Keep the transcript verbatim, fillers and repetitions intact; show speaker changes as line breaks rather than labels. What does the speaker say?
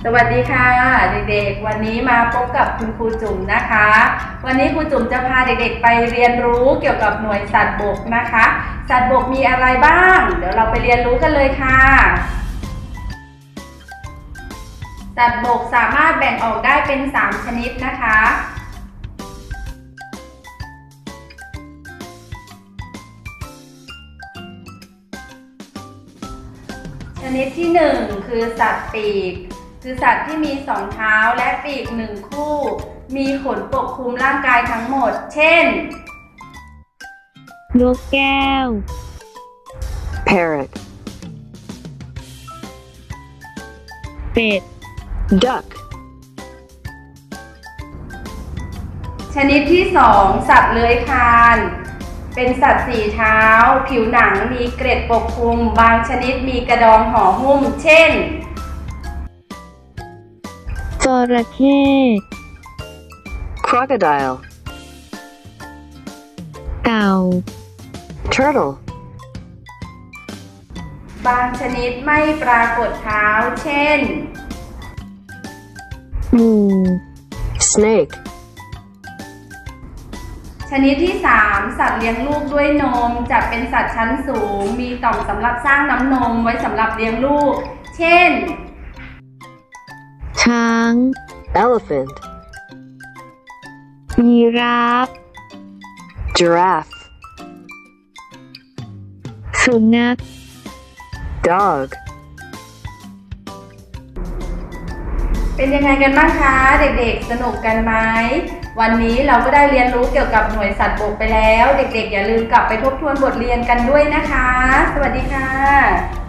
วัสดีค่ะเด็กๆวันนี้มาพบกับคุณครูจุ๋มนะคะวันนี้ครูจุ๋มจะพาเด็กๆไปเรียนรู้เกี่ยวกับหน่วยสัตว์บกนะคะสัตว์บกมีอะไรบ้างเดี๋ยวเราไปเรียนรู้กันเลยค่ะสัตว์บกสามารถแบ่งออกได้เป็นสามชนิดนะคะชนิดที่หนึ่งคือสัตว์ปีกคือสัตว์ที่มีสองเท้าและปีกหนึ่งคู่มีขนปกคลุมร่างกายทั้งหมดเช่น
นกแก้ว
Parrot
เป็ด
Duck
ชนิดที่สองสัตว์เลื้อยคลานเป็นสัตว์สี่เท้าผิวหนังมีเกล็ดปกคลุมบางชนิดมีกระดองห่อหุ้มเช่น
จระเข้
Crocodile
เต่า
Turtle
บางชนิดไม่ปรากฏเท้าเช่น
งู
Snake
ชนิดที่สามสัตว์เลี้ยงลูกด้วยนมจะเป็นสัตว์ชั้นสูงมีต่อมสำหรับสร้างน้ำนมไว้สำหรับเลี้ยงลูกเช่น
ช้าง
Elephant
ยีราฟ
Giraffe
สุนัข
Dog
เป็นยังไงกันบ้างคะเด็กๆสนุกกันไหมวันนี้เราก็ได้เรียนรู้เกี่ยวกับหน่วยสัตว์บกไปแล้วเด็กๆอย่าลืมกลับไปทบทวนบทเรียนกันด้วยนะคะสวัสดีค่ะ